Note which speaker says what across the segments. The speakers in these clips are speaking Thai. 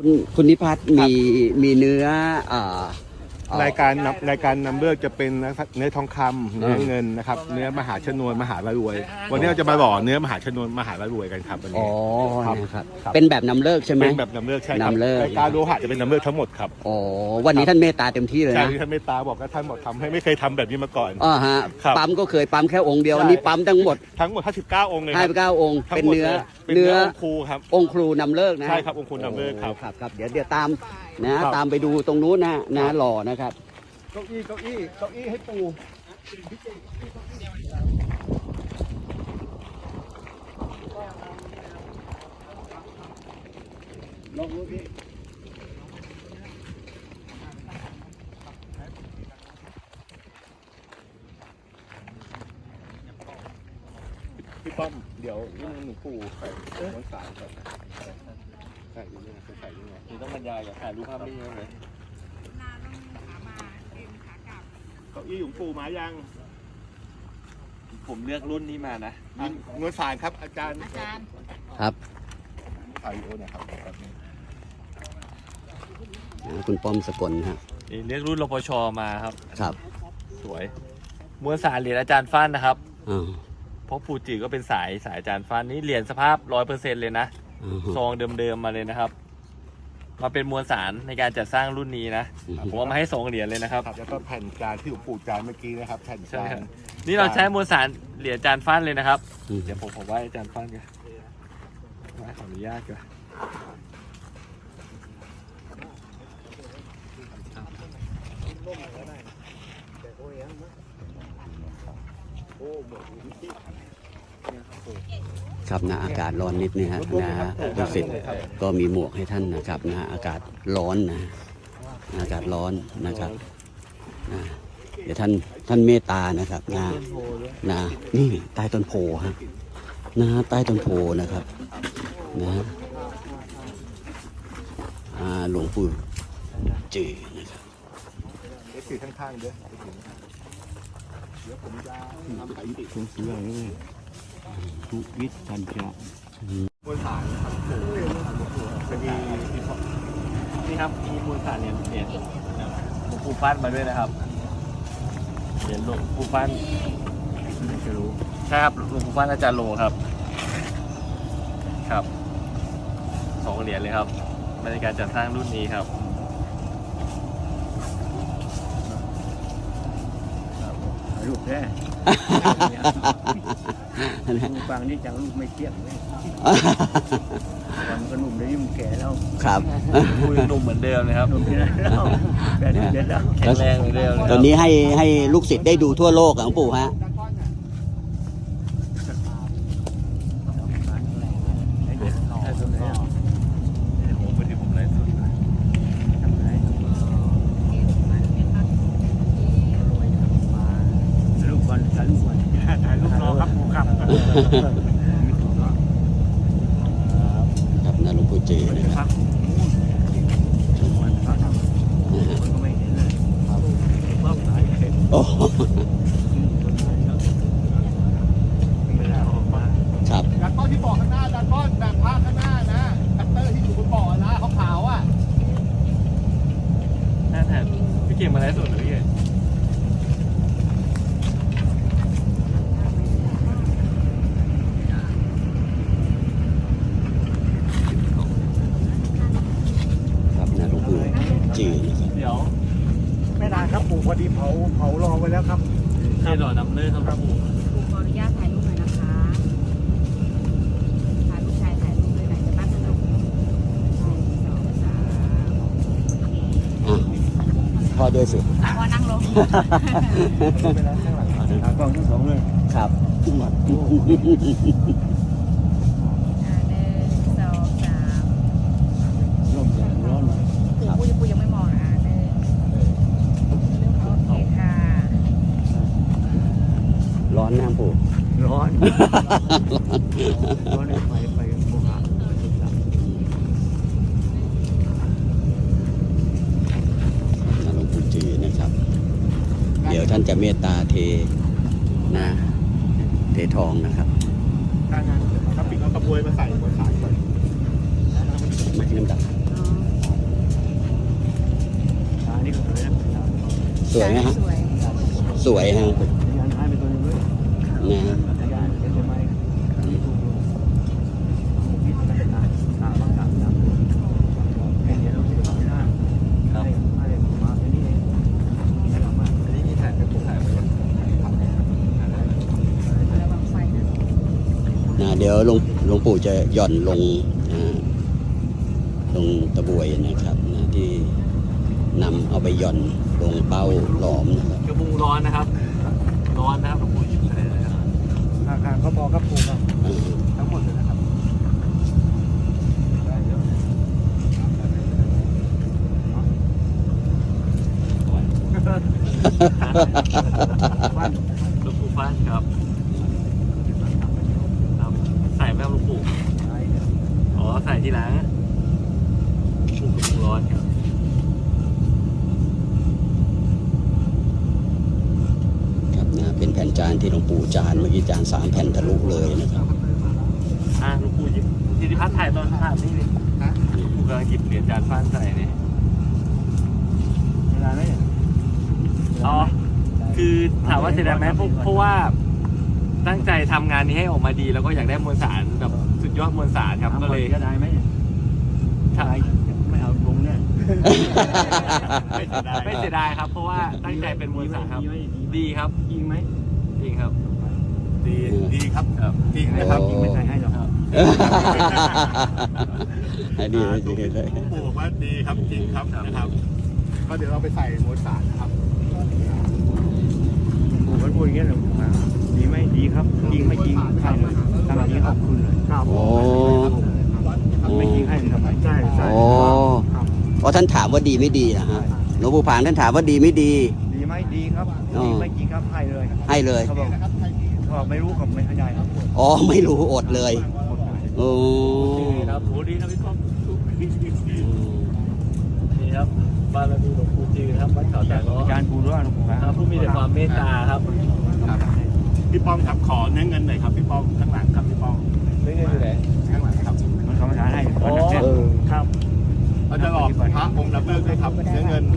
Speaker 1: คุณนิพัฒน์มีเนื้อ
Speaker 2: รายการนำเลือกจะเป็นเนื้อทองคำเนื้อเงินนะครับเนื้อมหาชนวนมหาละรวยวันนี้เราจะมาหล่อเนื้อมหาชนวนมหาละรวยกันครับวัน
Speaker 1: อ๋
Speaker 2: นี้
Speaker 1: อนะครับเป็นแบบนำเลิกใช่ไหม
Speaker 2: เป็นแบบนำเลือกใช่ครับ
Speaker 1: นำเลิก
Speaker 2: รายการโลหะจะเป็นนำเลือกทั้งหมดครับ
Speaker 1: อ๋อวันนี้ท่านเมตตาเต็มที่เลย
Speaker 2: ใช่
Speaker 1: นะ
Speaker 2: ที่ท่านเมตตาบอกว่าท่านบอกทำให้ไม่เคยทำแบบนี้มาก่อน
Speaker 1: อ๋อฮะ
Speaker 2: ครับ
Speaker 1: ปั๊มก็เคยปั๊มแค่องค์เดียว
Speaker 2: ใช่
Speaker 1: อันนี้ปั๊มทั้งหมด
Speaker 2: 59 องค์เลยครับ
Speaker 1: 59องค์
Speaker 2: ทั้
Speaker 1: เป็น
Speaker 2: งหมด
Speaker 1: เนื้อ
Speaker 2: ลยเป็นเนื้อองค์ครูครับ
Speaker 1: องค์ครูนำเลิกนะ
Speaker 2: ใช่ครับองค์ครูนำเลิกครับ
Speaker 1: ครับเดี๋ยวตามนะครับ ตามไปดูตรงนู้นนะหล่อนะครับ
Speaker 2: เก้าอี้ให้ปูลองดูดิพี่ป้อมเดี๋ยวนี่หนูปูใส่ม้วนสายก่อนใส่ยังไงใส่ยังไงนี่ต้องบรรยายกับถ่ายรูปภาพนิ่งเลย เก้าอี้หลวงปู่มายัง
Speaker 3: ผมเลือกรุ่นนี้มานะ
Speaker 2: นวลสารครับอาจารย์
Speaker 1: ครับ
Speaker 2: ถ่ายวิดีโอหนะครับ
Speaker 1: คุณป้อมสกลฮะ
Speaker 3: นี่เลือกรุ่นรปชมาครับ
Speaker 1: ครับ
Speaker 3: สวยมวลสารเหรียญอาจารย์ฟันนะครับ
Speaker 1: อ่า
Speaker 3: เพราะปูจิก็เป็นสายอาจารย์ฟันนี่เหรียญสภาพ 100%เลยนะ
Speaker 1: อ่าฮะ
Speaker 3: ซองเดิมๆมาเลยนะครับ มาเป็นมวลสารในการจัดสร้างรุ่นนี้นะ ผมเอามาให้2เหรียญเลยนะครับ
Speaker 2: ครับแล้วก็แผ่นจานที่หลวงปู่จานเมื่อกี้นะครับแผ่น
Speaker 3: ใช่
Speaker 2: จา
Speaker 3: ครั
Speaker 2: น
Speaker 3: บนี่เราใช้มวลสารเหรียญอาจารย์ฟันเลยนะครับ
Speaker 1: อืม
Speaker 3: เดี๋ยวผมไหว้อาจารย์ฟันกันไหว้ขออนุญาตก่อน
Speaker 1: ครับนะอากาศร้อนนิดนะฮะนะลูกศิษย์ก็มีหมวกให้ท่านนะครับนะอากาศร้อนนะอากาศร้อนนะครับนะเดี๋ยวท่านเมตตานะครับนะนี่ใต้ต้นโพฮะนะใต้ต้นโพนะครับนะหลวงปู่จือนะครับ
Speaker 2: เดี๋ยวถือข้างๆเด้อเดี๋ยวผมจะทำสถิติ
Speaker 1: ทุวิทย์ทันจะ
Speaker 2: มวลสารครับเป็นดีที่พอ
Speaker 3: นี่ครับมีมวลสารเหรียญหลวงปู่ฟันมาด้วยนะครับเหรียญหลวงปู่ฟันจะรู้ใช่ครับหลวงปู่ฟันอาจารย์โลครับครับ2เหรียญเลยครับในการจัดสร้างรุ่นนี้ครับ
Speaker 4: ลูกแท้ลูกฟังนี่จังลูกไม่เที่ยงเลยวันก็หนุ่มเลยมันแก่แล้ว
Speaker 1: ครับ
Speaker 3: คุยหนุ่มเหมือนเดิมนะครับ
Speaker 4: หนุ่มที่ไหนแล้วแก่เด็ดแล้ว
Speaker 3: แข็งแรงเหมือนเดิมเลย
Speaker 1: ตอนนี้ให้ลูกศิษย์ได้ดูทั่วโลกอะหลวงปู่ฮะ
Speaker 3: ใช่ตรงไหนอ่ะผมไปที่ผมไลฟ์สด
Speaker 4: ลูกก่อนถ่ายลูกก่อนถ่ายลูกรอครับผมครับ
Speaker 1: ครับนะหลวงปู่จือนะครับ
Speaker 4: มันก็ไม่เห็นเลยว่าถ่ายเสร็จ
Speaker 1: โอ้
Speaker 4: เวลาออกมา
Speaker 1: ครับ
Speaker 2: ดันต้นที่บอกข้างหน้าดันต้นแบบภาพข้างหน้านะคัตเตอร์ที่อยู่บนบ่อนะขาวๆอ่ะ
Speaker 3: หน้าแทนพี่เก่งมาไลฟ์สดหรือพี่เก่ง
Speaker 1: ครับนะหลวงปู่จือนะครับ
Speaker 3: เดี๋ยว
Speaker 4: ไม่นานครับปู่พอดีเผารอไว้แล้วครับ
Speaker 3: ที่หล่อนำเลิกครับปู่
Speaker 5: ครูขออนุญาตถ่ายรูปหน่อยนะคะถ่ายลูกชายถ่ายรูปเลยไหนจะปั้นขนม1 2 3
Speaker 1: อ่ะพ่อด้วยสิ
Speaker 5: พอนั่งลง
Speaker 4: ไปแล้วข้างหลังกล้องทั้งสองเลย
Speaker 1: ครับ
Speaker 5: 1 2 3
Speaker 4: ร่มอย่างร้อนเลย
Speaker 5: ปูยังไม่มองโอเคค่ะ
Speaker 1: ร้อนน้ำปู่
Speaker 4: ร้อนร้อนไปโมหะ
Speaker 1: นะหลวงปู่จือนะครับ เดี๋ยวท่านจะเมตตาเททองนะครับ
Speaker 2: ถ้างั้นถ้าปิดเอากระบวยมาใส่บนสายก่อน
Speaker 1: มาที่น้ำดับ
Speaker 5: อ๋อ
Speaker 1: วยไหมฮะ
Speaker 5: สวย
Speaker 1: สวยฮะ
Speaker 4: ยันให้ไปตัวนึงเลย
Speaker 1: นะฮะ
Speaker 4: ยันเดี๋ยวจะไม่ถูกลงคิดไปนานตาบ้างตาเดี๋ยวเราจะทำหน้าให้มาอันนี้เองให้เรามา
Speaker 3: อันนี้มีถ่ายเป็นถ่ายไปก่อน
Speaker 5: ระวังไฟนะ
Speaker 1: นะเดี๋ยวหลวงปู่จะหย่อนลงลงตะบวยนะครับนะที่นำเอาไปหย่อนลงเป้าหลอมนะครับ
Speaker 3: กระบุงร้อนนะครับร้อนนะครับหลวงปู่หยิบอะไรเลยนะครับ
Speaker 4: อาคารเขาบอกกับปู่ครับ
Speaker 1: อ่า
Speaker 3: ทั้งหมดเลยนะครับ หลวงปู่ฟันครับครับใส่ไหมครับหลวงปู่อ๋อใส่ทีหลังหลวงปู่ร้อนครับ
Speaker 1: ครับนะเป็นแผ่นจานที่หลวงปู่จานเมื่อกี้จาน3 แผ่นทะลุเลยนะครับ
Speaker 3: หลวงปู่หยิบจิติพัฒน์ถ่ายตอนภาพนี่เลยหลวงปู่กำลังหยิบเหรียญจานฟันใส่เนี่ย
Speaker 4: เวลาไหม
Speaker 3: อ๋อคือถามว่าเสียดายไหมเพราะว่าตั้งใจทำงานนี้ให้ออกมาดี แล้วก็อยากได้มวลสารแบบสุดยอดมวลสารครับก็เลย
Speaker 4: จะได้ไหมถ้าไม่เอาลงเนี่ย
Speaker 3: ไม่เสียดายครับ เพราะว่าตั้งใจเป็นมวลสารครับ ดีครับ
Speaker 4: ยิงไหม
Speaker 3: จริงครับ
Speaker 2: ดีครับ
Speaker 3: ครับ
Speaker 2: จริงนะครับ
Speaker 4: ยิงไม่ใช่ให้หรอก
Speaker 1: ให้ดีให้ดีเลย
Speaker 2: ปู่บอกว่าดีครับจริงครับนะครับ ก็เดี๋ยวเราไปใส่มวลสารนะครับ
Speaker 4: ปู่มันพูดอย่างเงี้ยเลยดีไหมดีครับยิงไม่ยิงให้เลยทำยิงขอบคุณเลย
Speaker 1: โอ้
Speaker 4: ไม่ยิงให้ทำไมใช่ใช่
Speaker 1: โอ้เพราะท่านถามว่าดีไม่ดีนะฮะหลวงปู่ผางท่านถามว่าดีไม่ดี
Speaker 4: ดีไหมดีครับ
Speaker 1: อ๋อ
Speaker 4: ดีไม่จริงครับให้เลย
Speaker 1: ให้เลย
Speaker 4: เขาบอกไม่รู้ผมไม่เข้าใจครับ
Speaker 1: อ๋อไม่รู้อดเลยโอ้
Speaker 3: ครับโหดีนะพี่ก้องนี่ครับบารมีหลวงปู่จือครับวัดเขาตาล้อ
Speaker 4: อาจารย์ปู่ด้วยหลวงปู่
Speaker 3: ครับผู้มีแต่ความเมตตาครับ
Speaker 2: พี่ป้อมครับขอเนื้อเงินหน่อยครับพี่ป้อมข้างหลังครับพี่ป้อม
Speaker 3: ไม่เงินอยู่ไหน
Speaker 2: ข้างหลังครับ
Speaker 4: มันเขามาทานให้
Speaker 3: อ๋อ
Speaker 4: ครับ
Speaker 2: เราจะหลอกพระองค์รับเลิกด้วยครับเนื้อเงิน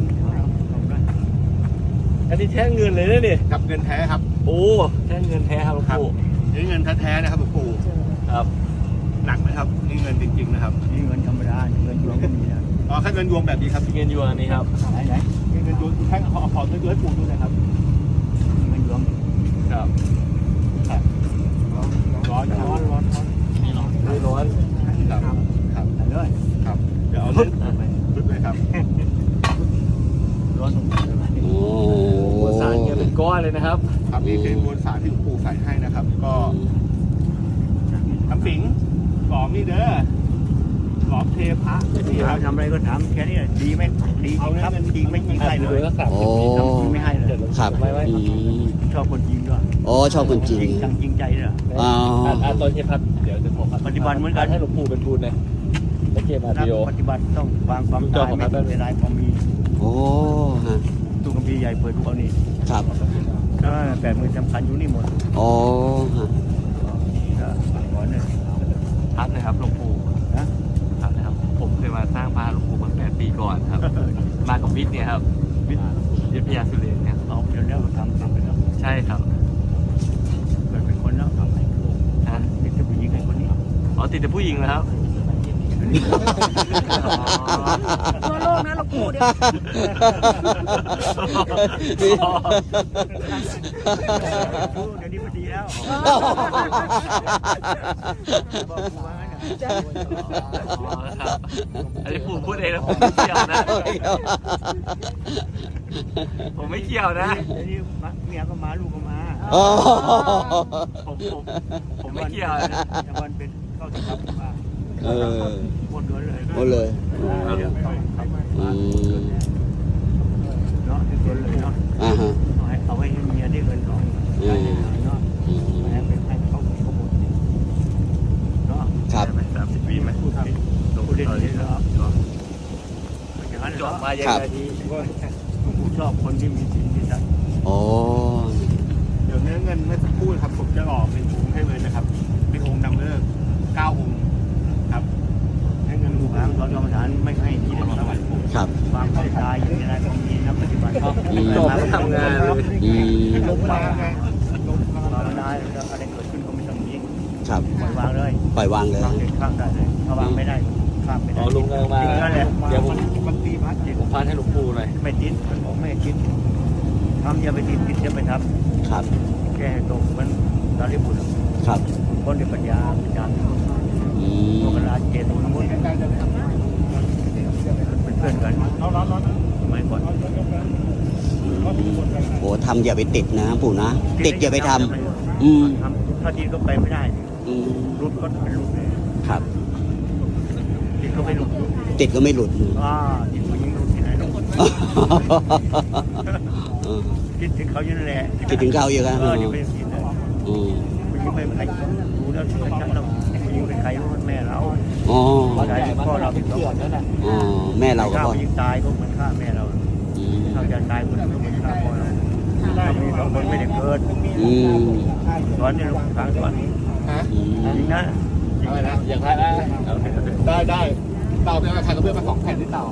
Speaker 3: อันนี้แท่งเงินเลยนะนี่
Speaker 2: กับเงินแท้ครับ
Speaker 3: โอ้แท่งเงินแท้ครับหลวงปู่
Speaker 2: เนื้อเงินแท้ๆนะครับหลวงปู่
Speaker 3: ครับ
Speaker 2: หนักไหมครับนี่เงินจริงๆนะครับ
Speaker 4: นี่เงินธรรมดาเงินยวงก็มีนะ
Speaker 2: อ๋อแค่เงินยวงแบบนี้ครับ
Speaker 3: เงินอยู่อันนี้ครับ
Speaker 4: ไหน
Speaker 2: เงินยวงแค่ขอเงินยวงให้ปู่ดูหน่อยครับ
Speaker 4: เงินยวง
Speaker 3: ครับ
Speaker 2: ร้อนครับ
Speaker 3: ไม่ร้อน
Speaker 2: ครับครับ
Speaker 4: ไหนเลย
Speaker 2: ครับเดี๋ยวเอาเล่นปึ๊บเลยครับ
Speaker 4: ร้อนตรงไหน
Speaker 1: โอ้
Speaker 3: มวลสารเงินเป็นก้อนเลยนะครับ
Speaker 2: ครับนี่คือมวลสารที่หลวงปู่ใส่ให้นะครับ ก็น้ำสิงหลอมนี่เด้อหลอมเทพระนี่ครับ
Speaker 4: ทำอะไรก็ถามแค่นี้ดีไหมดีจริงครับจริงไม่จริงให้เลย
Speaker 3: รักษา
Speaker 1: โอ้
Speaker 4: จริงไม่ให้เลย
Speaker 1: ครับ
Speaker 3: ไม่
Speaker 1: อืม
Speaker 4: ชอบคนจริงด้วย
Speaker 1: โอ้ชอบคนจริง
Speaker 4: จังจริงใจเลย
Speaker 1: อ๋อ
Speaker 3: ตอนเทพัดเดี๋ยวจะผม
Speaker 4: ปฏิบัติเหมือนกัน
Speaker 3: ให้หลวงปู่เป็นทุนเลยไม่เกมอา
Speaker 4: นัก
Speaker 3: ดิโอ
Speaker 4: ปฏิบัติต้องวางความตายไม่เป็นไรความมี
Speaker 1: โอ้ฮะ
Speaker 4: ตู้กัมพีใหญ่เปิดทุกเอานี่
Speaker 1: ครับ
Speaker 4: 80,000สำคัญอยู่นี่หมด
Speaker 1: โอ้ฮะ
Speaker 4: ก็ขอเนี่ย
Speaker 3: พัดนะครับหลวงปู่
Speaker 4: นะ
Speaker 3: พัดนะครับ ผมเคยมาสร้างพระหลวงปู่มา8 ปีก่อนครับ มากับวิทย์เนี่ยครับวิทยาสุเรนเนี่ย
Speaker 4: เอาเดี๋ยวนี้เราทำไปแล้ว
Speaker 3: ใช่ครับ
Speaker 4: เกิดเป็นคนแล้วทำให้
Speaker 3: ฮะ
Speaker 4: เป็นผู้หญิงไอ้คนนี้
Speaker 3: อ๋อติดแต่ผู้หญิงแล้วครับ
Speaker 5: ทั่วโลกนะหลวงปู่เดี๋ยว
Speaker 4: เดี๋ยวนี้มันดีแล้วบอกกูว่างั้น
Speaker 3: อ๋อครับอันนี้ปู่พูดเองนะผมไม่เกี่ยวนะ ผมไม่เกี่ยวนะ
Speaker 4: เดี๋ยวนี้เมียก็มาลูกก็มา
Speaker 1: โอ้
Speaker 3: ผมไม่เกี่ยวนะ
Speaker 4: แต่วันเป็นเข้าถึงครับมา
Speaker 1: เออ
Speaker 4: หมดเลย
Speaker 1: หมดเลย อืม
Speaker 4: เนาะที่ตัวเลยเนาะ
Speaker 1: อ่าฮะ
Speaker 4: เอาไว้ให้เมียได้เงินทองเนาะ
Speaker 1: อืม
Speaker 4: ไม่ให้เป็นให้เขาหมดเนาะ
Speaker 1: ครับ
Speaker 3: 30 ปีไหม
Speaker 4: พูดได้ดีแล้วอย่างนั้น
Speaker 3: จ
Speaker 4: เหร
Speaker 3: บ
Speaker 4: อ
Speaker 3: มาอย่างไรดี
Speaker 4: ผมชอบคนที่มีศีลมีธรรม
Speaker 1: โอ้
Speaker 2: เดี๋ยวเนื้อเงินเมื่อสักครู่ครับผมจะหล่อเป็นองค์ให้เลยนะครับเป็นองค์นำเลิก9 องค์ครับเนื้อเงิน
Speaker 4: ผู้
Speaker 2: ปู่
Speaker 4: หางตอนกรรมฐานไม่ให้ที่เด็ดสวรรค์
Speaker 1: ครับ
Speaker 4: วางความตายอย่างไรก็มีนักปฏิบัติ
Speaker 1: อืม
Speaker 3: จบไม่ทำงานเลย
Speaker 1: อืม
Speaker 4: ลงมาไงลงมาไม่ได้แล้วอะไรเกิดขึ้นก็ไม่ต้องยิง
Speaker 1: ครับ
Speaker 4: ปล่อยวางเลย
Speaker 1: ปล่อยวางเลย
Speaker 4: วางเด็ดข้ามได้เลยถ้าวางไม่ได้ข้ามไม่
Speaker 3: อ๋
Speaker 4: ได้
Speaker 3: อลุงกำลังมา
Speaker 4: นั่นแหละ
Speaker 3: เดี๋ยวผม
Speaker 4: มันตีพัดจิต
Speaker 3: ผมพานให้หลวงปู่หน่อย
Speaker 4: ไม่ติดมันบอกไม่ให้คิดทำอย่าไปติดอย่าไปท
Speaker 1: ครับ
Speaker 4: ำแก้ให้ตกมันตาลิบุตร
Speaker 1: ครับ
Speaker 4: คนในปัญญาญาณ
Speaker 1: อืม
Speaker 4: โลกราเจตุนมุนเป็นเพื่อนกันไม่ก่อน
Speaker 1: โอ้ทำอย่าไปติดนะปู่นะ ติดอย่าไปทำอืม
Speaker 4: ทำถ้าติดก็ไปไม่ได้
Speaker 1: อืม
Speaker 4: รุดก็เป็นรุด
Speaker 1: ครับ
Speaker 4: ติดก็ไม่รุด
Speaker 1: ติดก็ไม่หลุด
Speaker 4: ติดผู้หญิงรุดที่ไหนหรอก
Speaker 1: เออ
Speaker 4: คิดถึงเขาอยู่นั่นแหละ
Speaker 1: คิดถึงเขาอยู่ครับ
Speaker 4: เดี๋ยวไปติดเลย
Speaker 1: อืม
Speaker 4: ผู้หญิงไม่เป็นใครรู้แล้วชัดๆแล้วผู้หญิงเป็นใครรู้แม่เรา
Speaker 1: อ๋อ
Speaker 4: ใครเป็นพ่อเราเป็นสองคนนั่นแหละ
Speaker 1: อ๋อแม่เราก็
Speaker 4: ฆ่า
Speaker 1: พอ
Speaker 4: ผู้หญิงตายก็เหมือนฆ่าแม่เรา
Speaker 1: อืม
Speaker 4: ถ้าจะตายคนก็เหมือนฆ่าพ่อเราถ้ามีสองคนไม่ได้เกิด
Speaker 1: อืม
Speaker 4: สอนในลูกทางสอน
Speaker 1: อืม
Speaker 4: จริงนะ
Speaker 3: อะไรนะอย่างไรนะได้เต่าเป็นอะไรใครก็เพื่อนมา2 แผ่นที่เต่า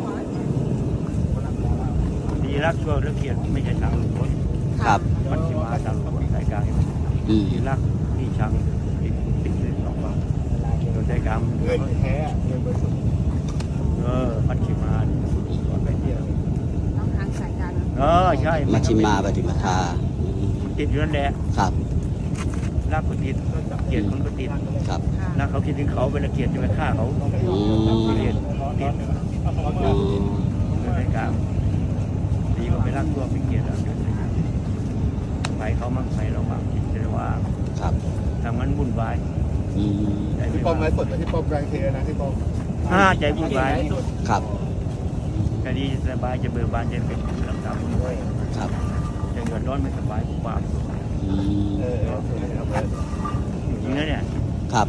Speaker 4: ดีรักชั่วและเกลียดไม่ใช่ทางคน
Speaker 1: ครับ
Speaker 4: มันสิมาทางสายกลาง
Speaker 1: อืม
Speaker 4: ดีรักที่ชังติดเลยสองฝั่งโดยใจกรรม
Speaker 3: เงินแท้เงินบริสุทธิ์
Speaker 4: มันสิมาสอนไปเที่ยว
Speaker 5: ต้องทางสายการ
Speaker 4: ใช่
Speaker 1: มัชชิมาปฏิปทาอืม
Speaker 4: ติดอยู่นั่นแหละ
Speaker 1: ครับ
Speaker 4: รักก็ติดเกลียดคนก็ติด
Speaker 1: ครับ
Speaker 4: รักเขาคิดถึงเขาเวลาเกลียดจะไปฆ่าเขา
Speaker 1: อืม
Speaker 4: เกลียดติด
Speaker 1: อืม
Speaker 4: โดยใจกรรมดีกว่าไปรักชั่วไปเกลียดเราไปเขามั่งไปเรามั่งคิดแต่ว่า
Speaker 1: ครับ
Speaker 4: ทำมันวุ่นวาย
Speaker 1: อืม
Speaker 4: ใจไม่
Speaker 3: พี่ปอมไลฟ์สดกับพี่ปอมแรงเทนะพี่ปอม
Speaker 4: ใจวุ่นวาย
Speaker 1: ครับ
Speaker 4: จะดีจะสบายจะเบิกบานจะเป็นลำดับวุ่นวาย
Speaker 1: ครับ
Speaker 4: จะเดือดร้อนไม่สบายความ
Speaker 1: อืม
Speaker 4: จริงนะเนี่ย
Speaker 1: ครับ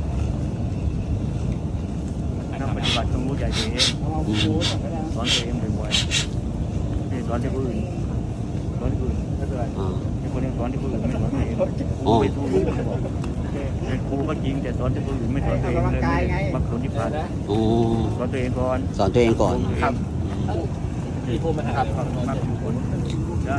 Speaker 4: นักปฏิบัติต้องรู้ใจตัวเอง
Speaker 1: อืม
Speaker 4: สอนตัวเองบ่อยๆไม่สอนที่ผู้อื่นสอนที่ผู้อื่นไม่เป็นไร
Speaker 1: อ่า
Speaker 4: ที่คนนี้สอนที่ผู้อื่นไม่สอนตัวเอง
Speaker 1: อ๋อ
Speaker 4: ไม่ถูกจะบอกเป็นครูก็จริงแต่สอนที่ผู้อื่นไม่สอนตัวเองเลยบางคนที่ผ่าน
Speaker 1: อ๋อ
Speaker 4: สอนตัวเองก่อน
Speaker 1: สอนตัวเองก่อน
Speaker 4: ครับ
Speaker 3: พี่พูดไหมครับ
Speaker 4: มากทุกคนจ้า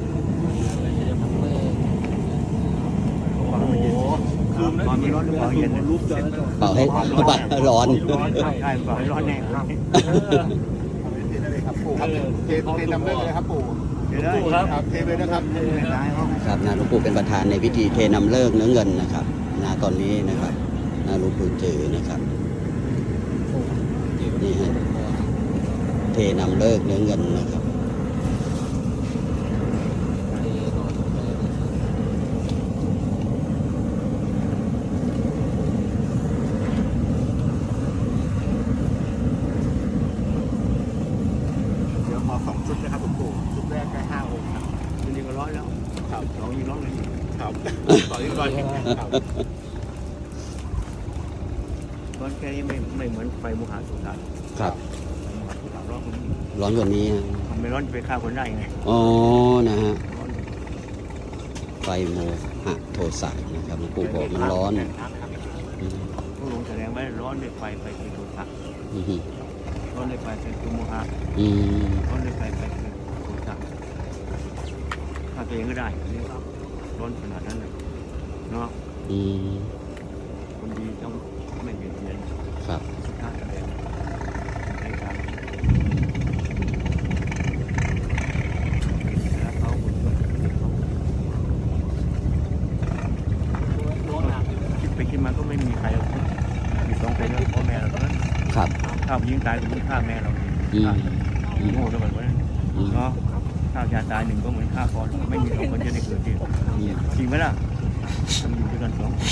Speaker 4: ความเย็นความร้อนหรือความเย็น
Speaker 3: รูปเจอ
Speaker 1: เป่าให้ปัดร้อน
Speaker 4: ใช่เปล่าให้ร้อนแน่ครับ
Speaker 3: ครับปู่ครับเทนำเลิกเลยครับปู่
Speaker 4: เดี๋ยวได้
Speaker 3: ครับเทไปนะครับ
Speaker 1: ครับนะหลวงปู่เป็นประธานในพิธีเทนำเลิกเนื้อเงินนะครับนะตอนนี้นะครับนะหลวงปู่จือนะครับนี่ฮะเทนำเลิกเนื้อเงินนะครับ
Speaker 3: เดี๋ยวขอ2 ชุดนะครับหลวงปู่ชุดแรกได้5 องค์ครับ
Speaker 4: จริงๆก็ร้อนแล้วสองยิ่งร้อนเลย
Speaker 3: ครับต่อที่ก่อนครับ
Speaker 4: ร้อนแค่นี้ไม่เหมือนไฟมุหาสุสาน
Speaker 1: ครับ
Speaker 4: ร้อนคนนี้
Speaker 1: ร้อนกว่านี้ฮะ
Speaker 4: มันไม่ร้อนจะไปฆ่าคนได้ไง
Speaker 1: อ๋อนะฮะ
Speaker 4: ร้อน
Speaker 1: ไฟโมหะโทสะนะครับหลวงปู่บอกมันร้อนอืม
Speaker 4: ผู้ลงแสดงไว้ร้อนด้วยไฟเป็นโทสะ
Speaker 1: อืม
Speaker 4: ร้อนด้วยไฟเป็นโมหะ
Speaker 1: อืม
Speaker 4: ร้อนด้วยไฟเป็นโทสะฆ่าตัวเองก็ได้ร้อนขนาดนั้นเลยเนาะ
Speaker 1: อืม
Speaker 4: คนดีต้องไม่เบียดเบียน
Speaker 1: ครับ
Speaker 4: สุดท้ายอะไรในการแล้วเขาคิดไปคิดมาก็ไม่มีใครมี2 คนพ่อแม่เราเท่านั้น
Speaker 1: ครับ
Speaker 4: ข้าวยิงตายก็เหมือนฆ่าแม่เรา
Speaker 1: อืม
Speaker 4: โง่ด้วยกันเนาะข้าวชาตาย1ก็เหมือนฆ่าพ่อไม่มี2 คนจะได้เกิดจริงจริงไหมล่ะทำอยู่ด้วยกัน2 คน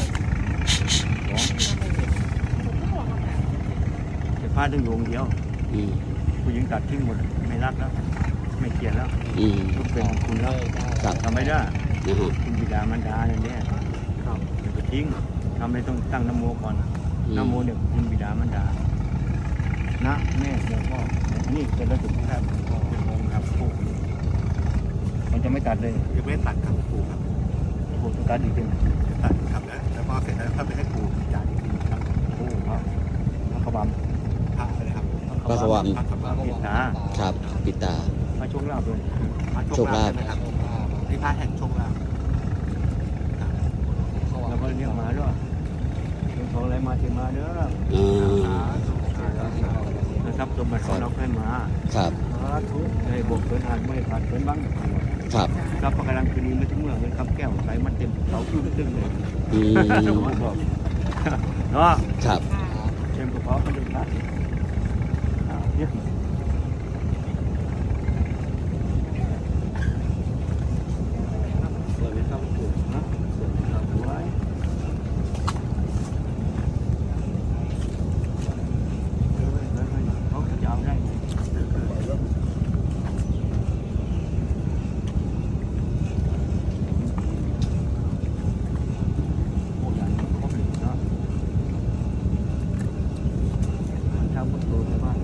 Speaker 4: จะพาถึงดวงเดียว
Speaker 1: อืม
Speaker 4: ผู้หญิงตัดทิ้งหมดไม่รักแล้วไม่เกลียดแล้ว
Speaker 1: อืม
Speaker 4: ทุกเป็นของคุณแล้ว
Speaker 1: ครับ
Speaker 4: ทำไม่ได้
Speaker 1: นะฮะ
Speaker 4: คุณบิดามารดาเนี่ยอย่าไปทิ้งทำอะไรต้องตั้งนะโมก่อน
Speaker 1: อืม
Speaker 4: นะโมเนี่ยคุณบิดามารดานะแม่โมพ่อนี่เป็นระดับแทบเป็นองค์ครับผู้มันจะไม่ตัดเลย
Speaker 3: ยังไม่ตัดครับปู่ครับ
Speaker 4: ผู้ต้องตัดอีกเป็น
Speaker 3: ตัดครับแล้วพอเสร็จแล้วถ้าไปให้ปู่จ่ายอีกทีครับ
Speaker 4: ผู้ครับพระบา
Speaker 3: พระเลยครับ
Speaker 1: พระขวาม
Speaker 3: พระขวาม
Speaker 4: พิษา
Speaker 1: ครับปิตา
Speaker 4: มาช่วงลาบเลย
Speaker 1: โชคลาภ
Speaker 2: นะครับที่พระแห่งโชคลาภ
Speaker 4: แล้วก็เนี่ยมาด้วยเรื่องของอะไรมาถึงมาเด้อ นะครับสมบัติของเราให้มา
Speaker 1: ครับ
Speaker 4: สาธุให้บกเกินอ่านไม่ขาดเกินบ้าง
Speaker 1: ครับ
Speaker 4: ครับประการังคืนนี้ไม่ถึงเมื่อเงินคำแก้วใสมันเต็มเสาขึ้นตึ้งเลย
Speaker 1: อืม
Speaker 4: เนาะ
Speaker 1: ครับ
Speaker 4: เต็มกระเป๋ามันเลยครับเนี่ยสวัสดีครับคุณนะสวัสดีครับไว้เขาจะเอาได้ โอ้ยอย่างนี้เขาผลิตเนาะทำบนตัวในบ้าน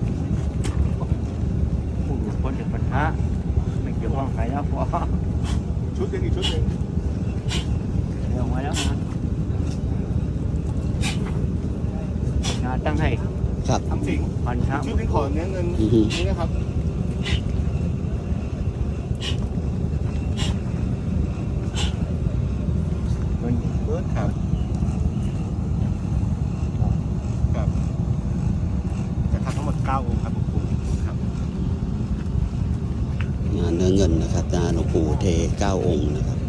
Speaker 4: ผู้หลุดพ้นจากปัญหาไม่เกี่ยวข้องใครนะพอ
Speaker 2: ชุดหนึงอีกชุดหนึง
Speaker 4: เดี๋ยวมาแล้วนะงานตั้งให้
Speaker 1: ครับ
Speaker 2: ทำสิง
Speaker 4: พันธะ
Speaker 2: ชุดหนึงขอเนื้อเงิน
Speaker 1: อือฮึ
Speaker 2: นี่นะครับ
Speaker 4: เงิน
Speaker 2: เบิร์ดครับครับจะทำทั้งหมด9องค์ครับหลวงปู่ครับ
Speaker 1: งานเนื้อเงินนะครับนะหลวงปู่เท9 องค์นะครับ